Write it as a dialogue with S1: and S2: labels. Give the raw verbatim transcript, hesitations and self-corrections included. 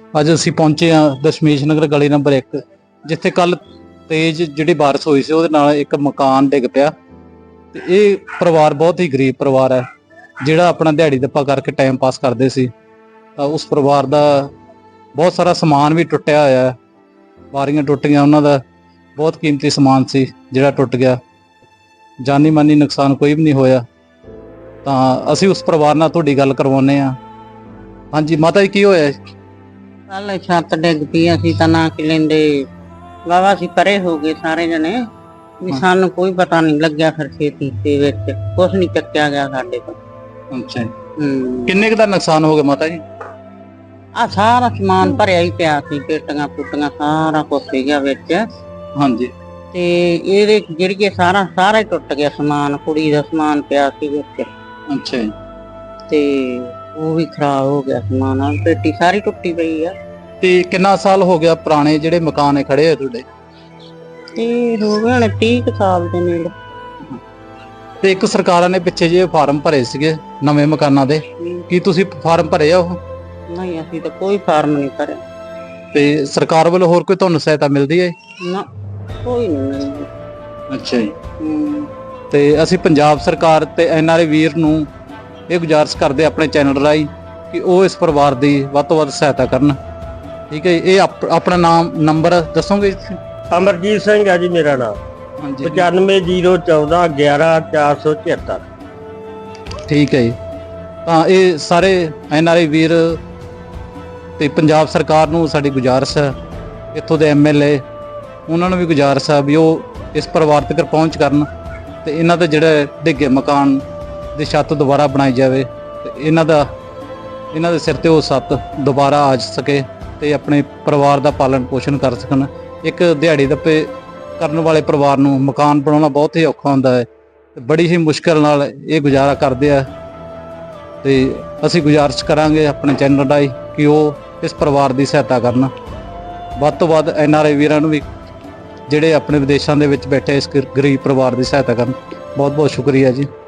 S1: ਅੱਜ ਅਸੀਂ ਪਹੁੰचे ਹਾਂ ਦਸ਼ਮੇਸ਼ ਨਗਰ ਗਲੀ ਨੰਬਰ ਇੱਕ, ਜਿੱਥੇ ਕੱਲ ਤੇਜ਼ ਜਿਹੜੀ ਬਾਰਿਸ਼ ਹੋਈ ਸੀ ਉਹਦੇ ਨਾਲ ਇੱਕ ਮਕਾਨ ਡਿੱਗ ਪਿਆ। ਤੇ ਇਹ ਪਰਿਵਾਰ ਬਹੁਤ ਹੀ ਗਰੀਬ ਪਰਿਵਾਰ ਹੈ, ਜਿਹੜਾ ਆਪਣਾ ਦਿਹਾੜੀ ਦੱਪਾ ਕਰਕੇ ਟਾਈਮ ਪਾਸ ਕਰਦੇ ਸੀ। ਤਾਂ ਉਸ ਪਰਿਵਾਰ ਦਾ ਬਹੁਤ ਸਾਰਾ ਸਮਾਨ ਵੀ ਟੁੱਟਿਆ ਹੋਇਆ ਹੈ, ਬਾਰੀਆਂ ਟੁੱਟ ਗਈਆਂ, ਉਹਨਾਂ ਦਾ ਬਹੁਤ ਕੀਮਤੀ ਸਮਾਨ ਸੀ ਜਿਹੜਾ ਟੁੱਟ ਗਿਆ। ਜਾਨੀ ਮਾਨੀ ਨੁਕਸਾਨ ਕੋਈ ਵੀ ਨਹੀਂ ਹੋਇਆ। ਤਾਂ ਅਸੀਂ ਉਸ ਪਰਿਵਾਰ ਨਾਲ ਤੁਹਾਡੀ ਗੱਲ ਕਰਵਾਉਂਦੇ ਹਾਂ। ਹਾਂਜੀ ਮਾਤਾ ਜੀ, ਕੀ ਹੋਇਆ?
S2: ਕੱਲ ਛੱਤ ਡਿੱਗ ਪਈ, ਅਸੀਂ ਤਾਂ ਨਾ ਕਿ ਲੈਂਦੇ ਵਾਵਾ ਸੀ, ਪਰੇ ਹੋ ਗਏ ਸਾਰੇ ਜਣੇ ਵੀ ਸਾਨੂੰ ਕੋਈ ਪਤਾ ਨਹੀਂ ਲੱਗਿਆ। ਫਿਰ ਖੇਤੀ ਦੇ ਵਿੱਚ ਕੁਛ ਨਹੀਂ ਚੱਕਿਆ ਗਿਆ ਸਾਡੇ ਤੋਂ।
S1: ਅੱਛਾ,
S2: ਹੂੰ
S1: ਕਿੰਨੇ ਕੁ ਦਾ ਨੁਕਸਾਨ ਹੋ ਗਿਆ ਮਾਤਾ ਜੀ?
S2: ਆ ਸਾਰਾ ਸਮਾਨ ਭਰਿਆ ਹੀ ਪਿਆ ਸੀ, ਪੇਟੀਆਂ ਪੁੱਟੀਆਂ ਸਾਰਾ ਕੁਛ ਸੀਗਾ ਵਿੱਚ।
S1: ਹਾਂਜੀ,
S2: ਤੇ ਇਹਦੇ ਜਿਹੜੀਏ ਸਾਰਾ ਸਾਰਾ ਹੀ ਟੁੱਟ ਗਿਆ ਸਮਾਨ, ਕੁੜੀ ਦਾ ਸਮਾਨ ਪਿਆ ਸੀ ਵਿੱਚ।
S1: ਅੱਛਾ ਜੀ।
S2: ਤੇ ਉਹ ਵੀ ਖਰਾਬ ਹੋ ਗਿਆ ਸਮਾਨ, ਪੇਟੀ ਸਾਰੀ ਟੁੱਟੀ ਪਈ ਆ।
S1: ਤੇ ਕਿੰਨਾ ਸਾਲ ਹੋ ਗਿਆ ਪੁਰਾਣੇ ਜਿਹੜੇ ਮਕਾਨ ਹੈ ਖੜੇ ਆ ਤੁਹਾਡੇ?
S2: ਤੇ ਹੋ ਗਏ ਨੇ ਤੀਹ ਕੁ ਸਾਲ ਦੇ ਨੇੜੇ।
S1: ਤੇ ਇੱਕ ਸਰਕਾਰਾਂ ਨੇ ਪਿੱਛੇ ਜਿਹੇ ਫਾਰਮ ਭਰੇ ਸੀਗੇ ਨਵੇਂ ਮਕਾਨਾਂ ਦੇ, ਕੀ ਤੁਸੀਂ ਫਾਰਮ ਭਰੇ ਆ ਉਹ?
S2: ਨਹੀਂ, ਅਸੀਂ ਤਾਂ ਕੋਈ ਫਾਰਮ ਨਹੀਂ ਭਰਿਆ।
S1: ਤੇ ਸਰਕਾਰ ਵੱਲੋਂ ਹੋਰ ਕੋਈ ਤੁਹਾਨੂੰ ਸਹਾਇਤਾ ਮਿਲਦੀ ਹੈ?
S2: ਨਾ, ਕੋਈ ਨਹੀਂ ਮਿਲਦੀ।
S1: ਅੱਛਾ ਜੀ।
S2: ਹੂੰ
S1: ਤੇ ਅਸੀਂ ਪੰਜਾਬ ਸਰਕਾਰ ਤੇ ਐਨ ਆਰ ਆਈ ਵੀਰ ਨੂੰ ਇਹ ਗੁਜ਼ਾਰਿਸ਼ ਕਰਦੇ ਆਪਣੇ ਚੈਨਲ ਰਾਹੀਂ ਕਿ ਉਹ ਇਸ ਪਰਿਵਾਰ ਦੀ ਵੱਧ ਤੋਂ ਵੱਧ ਸਹਾਇਤਾ ਕਰਨ। ਠੀਕ ਹੈ ਜੀ। ਇਹ ਆਪ- ਆਪਣਾ ਨਾਮ ਨੰਬਰ ਦੱਸੋਗੇ?
S3: ਅਮਰਜੀਤ ਸਿੰਘ ਹੈ ਜੀ ਮੇਰਾ ਨਾਮ।
S1: ਹਾਂਜੀ,
S3: ਪਚਾਨਵੇਂ ਜ਼ੀਰੋ ਚੌਦਾਂ ਗਿਆਰਾਂ ਚਾਰ ਸੌ ਛਿਹੱਤਰ।
S1: ਠੀਕ ਹੈ ਜੀ। ਤਾਂ ਇਹ ਸਾਰੇ ਐਨ ਆਰ ਆਈ ਵੀਰ ਤੇ ਪੰਜਾਬ ਸਰਕਾਰ ਨੂੰ ਸਾਡੀ ਗੁਜ਼ਾਰਿਸ਼ ਹੈ, ਇੱਥੋਂ ਦੇ ਐਮ ਐਲ ਏ ਉਹਨਾਂ ਨੂੰ ਵੀ ਗੁਜ਼ਾਰਿਸ਼ ਹੈ ਵੀ ਉਹ ਇਸ ਪਰਿਵਾਰ ਤੱਕ ਪਹੁੰਚ ਕਰਨ ਤੇ ਇਹਨਾਂ ਦੇ ਜਿਹੜੇ ਡਿੱਗੇ ਮਕਾਨ ਦੀ ਛੱਤ ਦੁਬਾਰਾ ਬਣਾਈ ਜਾਵੇ ਤੇ ਇਹਨਾਂ ਦਾ ਇਹਨਾਂ ਦੇ ਸਿਰ ਤੇ ਉਹ ਛੱਤ ਦੁਬਾਰਾ ਆ ਸਕੇ ਤੇ ਆਪਣੇ ਪਰਿਵਾਰ ਦਾ ਪਾਲਣ ਪੋਸ਼ਣ ਕਰ ਸਕਣ। ਇੱਕ ਦਿਹਾੜੀ ਦੱਪੇ ਕਰਨ ਵਾਲੇ ਪਰਿਵਾਰ ਨੂੰ ਮਕਾਨ ਬਣਾਉਣਾ ਬਹੁਤ ਹੀ ਔਖਾ ਹੁੰਦਾ ਹੈ ਤੇ ਬੜੀ ਹੀ ਮੁਸ਼ਕਲ ਨਾਲ ਇਹ ਗੁਜ਼ਾਰਾ ਕਰਦੇ ਆ। ਤੇ ਅਸੀਂ ਗੁਜ਼ਾਰਿਸ਼ ਕਰਾਂਗੇ ਆਪਣੇ ਚੈਨਲ ਰਾਹੀਂ ਕਿ ਉਹ ਇਸ ਪਰਿਵਾਰ ਦੀ ਸਹਾਇਤਾ ਕਰਨ। ਵੱਧ ਤੋਂ ਵੱਧ ਐਨ ਆਰ ਆਈ ਵੀਰਾਂ ਨੂੰ ਵੀ ਜਿਹੜੇ ਆਪਣੇ ਵਿਦੇਸ਼ਾਂ ਦੇ ਵਿੱਚ ਬੈਠੇ ਇਸ ਗਰੀਬ ਪਰਿਵਾਰ ਦੀ ਸਹਾਇਤਾ ਕਰਨ। ਬਹੁਤ ਬਹੁਤ ਸ਼ੁਕਰੀਆ ਜੀ।